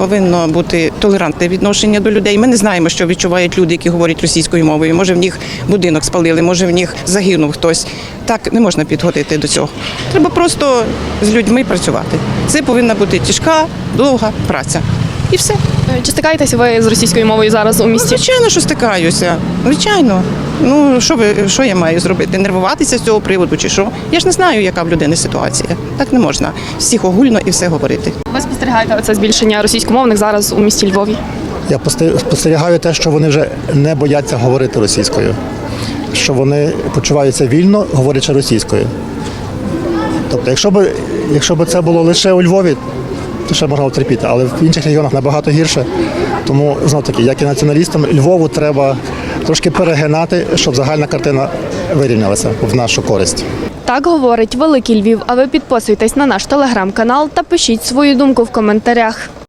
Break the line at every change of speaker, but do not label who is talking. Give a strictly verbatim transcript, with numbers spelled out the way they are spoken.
повинно бути толерантне відношення до людей. Ми не знаємо, що відчувають люди, які говорять російською мовою. Може, в них будинок спалили, може, в них загинув хтось. Так не можна підходити до цього. Треба просто з людьми працювати. Це повинна бути тяжка, довга праця. І все.
Чи стикаєтеся ви з російською мовою зараз у місті?
Звичайно, що стикаюся. Звичайно. Ну, що ви, що я маю зробити? Нервуватися з цього приводу чи що? Я ж не знаю, яка в людини ситуація. Так не можна. Всіх огульно і все говорити.
Ви спостерігаєте це збільшення російськомовних зараз у місті Львові?
Я спостерігаю те, що вони вже не бояться говорити російською, що вони почуваються вільно, говорячи російською. Тобто, якщо б, якщо б це було лише у Львові, то ще можна терпіти, але в інших регіонах набагато гірше. Тому, знов таки, як і націоналістам, Львову треба трошки перегинати, щоб загальна картина вирівнялася в нашу користь.
Так говорить Великий Львів. А ви підписуйтесь на наш телеграм-канал та пишіть свою думку в коментарях.